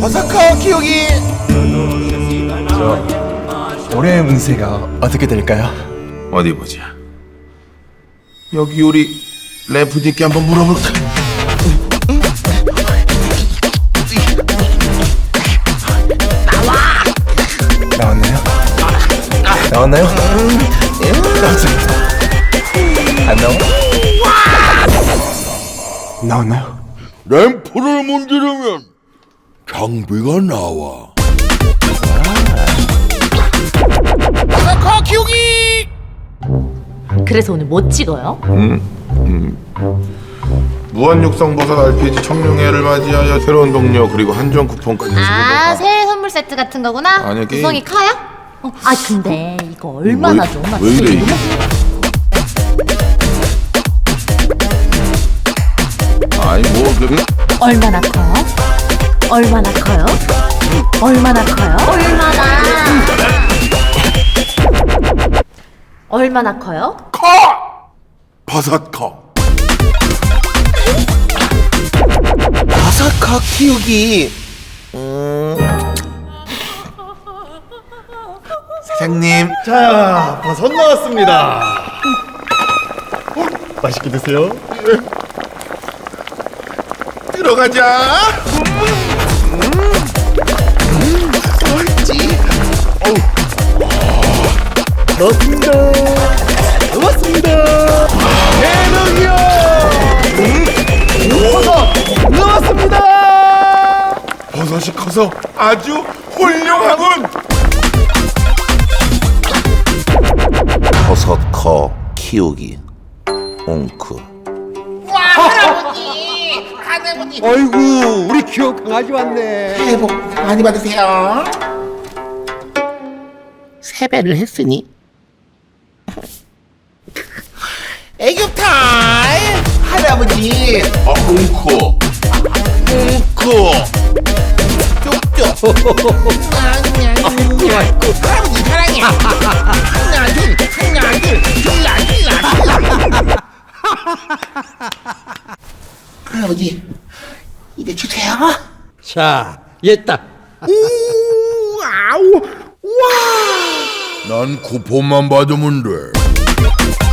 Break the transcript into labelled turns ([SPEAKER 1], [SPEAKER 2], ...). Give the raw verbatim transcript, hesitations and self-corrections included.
[SPEAKER 1] 버서커 키우기. 저 올해의 운세가 어떻게 될까요?
[SPEAKER 2] 어디 보자. 여기 우리 래프디께 한번 물어볼까?
[SPEAKER 1] 나왔나요? 나왔나요? 나왔어요. 안 나와? 나왔나요?
[SPEAKER 3] 램프를 문지르면 장비가 나와.
[SPEAKER 1] 버서커 키우기.
[SPEAKER 4] 그래서 오늘 뭐 찍어요?
[SPEAKER 2] 무한육성버섯 알피지 청룡회를 맞이하여 새로운 동료 그리고 한정 쿠폰까지
[SPEAKER 4] 아,
[SPEAKER 2] 해주고.
[SPEAKER 4] 새해 선물 세트 같은 거구나?
[SPEAKER 2] 아니요, 게임.
[SPEAKER 4] 구성이 카야? 어, 아 근데 이거 얼마나
[SPEAKER 2] 왜-
[SPEAKER 4] 줘? 나
[SPEAKER 2] 왜
[SPEAKER 4] 진짜
[SPEAKER 2] 이래,
[SPEAKER 4] 너무-
[SPEAKER 2] 아니 뭐 그.
[SPEAKER 4] 얼마나 커요? 얼마나 커요? 얼마나 커요? 얼마나 얼마나 커요?
[SPEAKER 2] 커! 버섯 커.
[SPEAKER 1] 버서커 키우기. 음.
[SPEAKER 2] 사장님.
[SPEAKER 5] 자, 버섯 나왔습니다. 맛있게 드세요.
[SPEAKER 2] 들어가자.
[SPEAKER 5] 넣었습니다. 넣었습니다. 대박이요. 버섯 넣었습니다.
[SPEAKER 2] 버섯이 커서 아주 훌륭하군.
[SPEAKER 3] 버섯커 키우기. 옹크.
[SPEAKER 5] 아이고, 우리 귀여운 강아지 왔네.
[SPEAKER 6] 새해 복 많이 받으세요. 세배를 했으니 애교 타임. 할아버지
[SPEAKER 2] 아, 웅코. 웅코.
[SPEAKER 6] 쪽쪽. 할아버지 사랑해. 하나 둘 하나 둘 둘라 둘라 둘라. 할아버지 이제 주세요.
[SPEAKER 5] 자, 얘다.
[SPEAKER 6] 우 아우 와.
[SPEAKER 3] 난 쿠폰만 받으면 돼.